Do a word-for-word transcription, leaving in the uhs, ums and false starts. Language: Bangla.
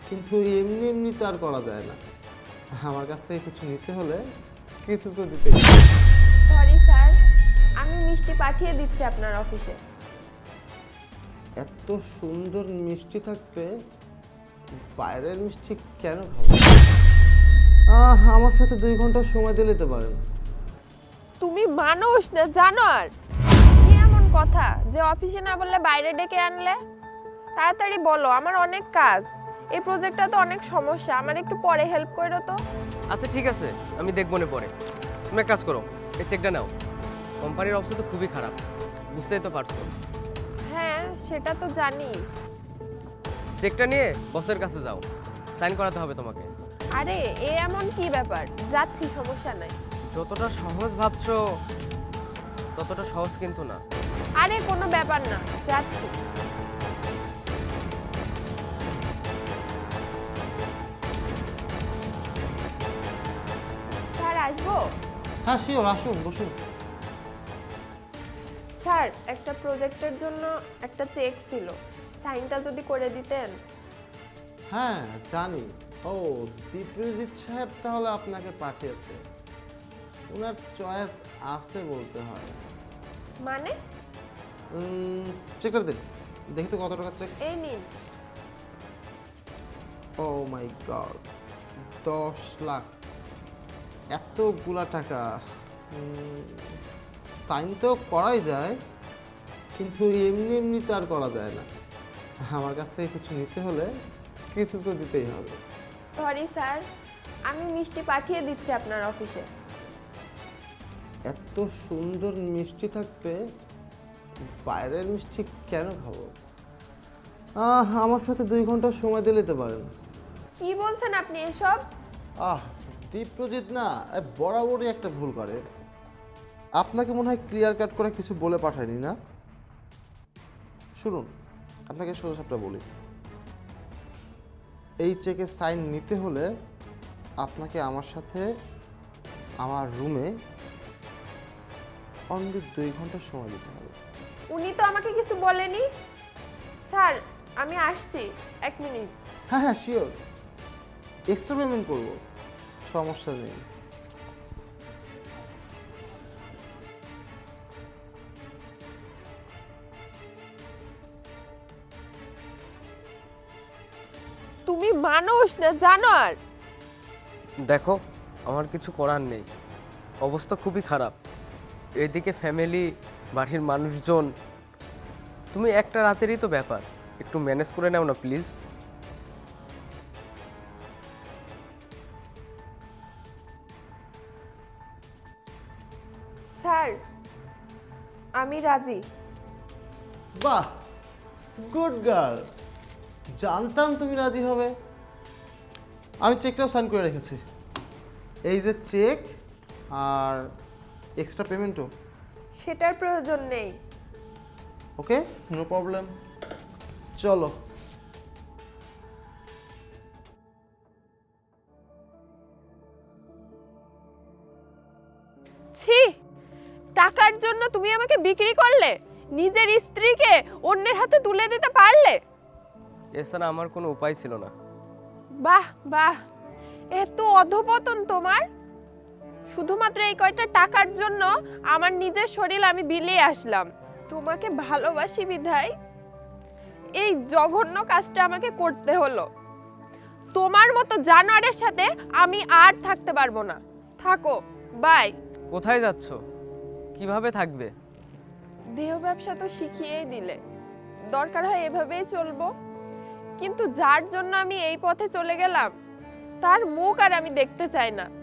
কিন্তু এমনি এমনি তো আর করা যায় না। আমার কাছ থেকে কিছু নিতে হলে কিছু তো দিতে। সরি স্যার, আমি মিষ্টি পাঠিয়ে দিচ্ছি আপনার অফিসে। এত সুন্দর মিষ্টি থাকতে বাইরের মিষ্টি কেন খাবো? আহ, আমার সাথে দুই ঘন্টা সময় দিলে তো পারেন। তুমি মানুষ না জানোয়ার? কি এমন কথা যে অফিসে না বললে বাইরে ডেকে আনলে? তাড়াতাড়ি বলো, আমার অনেক কাজ। এই প্রজেক্টটা তো অনেক সমস্যা, আমার একটু পরে হেল্প করো তো। আচ্ছা ঠিক আছে, আমি দেখবো না পরে। তুমি এক কাজ করো, এই চেকটা নাও। কোম্পানির অবস্থা তো খুবই খারাপ, বুঝতেই তো পারছো। হ্যাঁ, সেটা তো জানি। চেকটা নিয়ে বসের কাছে যাও, সাইন করাতে হবে তোমাকে। আরে এ এমন কি ব্যাপার? যাচ্ছি, সমস্যা নাই। যতটা সহজ ভাবছো ততটা সহজ কিন্তু না। আরে কোনো ব্যাপার না, যাচ্ছি। স্যার আসবো? হ্যাঁ শিওর, আসুন বসুন। স্যার, একটা প্রজেক্টের জন্য একটা চেক ছিল, সাইনটা যদি করে দিতেন। হ্যাঁ জানি। ও, দীপ্রজিৎ সাহেব তাহলে আপনাকে পাঠিয়েছে। ওনার চয়েস আছে বলতে হয়। মানে? চেক করে দিন, দেখি তো কত টাকা চেক। এই নিন। ও মাই গড, দশ লাখ! এতগুলা টাকা! সাইন তো করাই যায়, কিন্তু এমনি এমনি তো আর করা যায় না। আমার কাছ থেকে কিছু নিতে হলে কিছু তো দিতেই হবে। সরি স্যার, আমি মিষ্টি পাঠিয়ে দিচ্ছি আপনার অফিসে। এত সুন্দর মিষ্টি থাকতে বাইরের মিষ্টি কেন খাবো? আহ, আমার সাথে দুই ঘন্টা সময় দিলে তো পারেন। কি বলছেন আপনি এসব? আহ, দীপ্রজিৎ না এ বরাবরই একটা ভুল করে। আপনাকে মনে হয় ক্লিয়ার কাট করে কিছু বলে পাঠায়নি না? শুনুন, আপনাকে সোজা সাপটা বলি। এই চেকে সাইন নিতে হলে আপনাকে আমার সাথে আমার রুমে অনলি দুই ঘন্টা সময় দিতে হবে। উনি তো আমাকে কিছু বলেনি। স্যার, আমি আসছি, এক মিনিট। হ্যাঁ হ্যাঁ শিওর, এক্সট্রা পেমেন্ট করবো, সমস্যা নেই। তুমি মানুষ না জানোয়ার? দেখো, আমার কিছু করার নেই, অবস্থা খুবই খারাপ। এদিকে ফ্যামিলি, বাড়ির মানুষজন। তুমি একটা রাতেরই তো ব্যাপার, একটু ম্যানেজ করে নাও না প্লিজ। স্যার, আমি রাজি। বাহ, গুড গার্ল! জানতাম তুমি রাজি হবে। আমি চেকটাও সাইন করে রেখেছি। এই যে চেক আর এক্সট্রা পেমেন্টও। সেটার প্রয়োজন নেই। ওকে, নো প্রবলেম, চলো। ছি, টাকার জন্য তুমি আমাকে বিক্রি করলে? নিজের স্ত্রীকে অন্যের হাতে তুলে দিতে পারলে? এছাড়া আমার কোনো উপায় ছিল না। বাহ বাহ, এত অধপতন তোমার! শুধুমাত্র এই কয়টা টাকার জন্য আমার নিজের শরীর আমি বিলিয়ে আসলাম। তোমাকে ভালোবাসি বিধায় এই জঘন্য কাজটা আমাকে করতে হলো। তোমার মতো জানোয়ারের সাথে আমি আর থাকতে পারবো না। থাকো, বাই। কোথায় যাচ্ছ? কিভাবে থাকবে? দেহ ব্যবসা তো শিখিয়েই দিলে, দরকার হয় এভাবেই চলবো। কিন্তু যার জন্য আমি এই পথে চলে গেলাম, তার মুখ আর আমি দেখতে চাই না।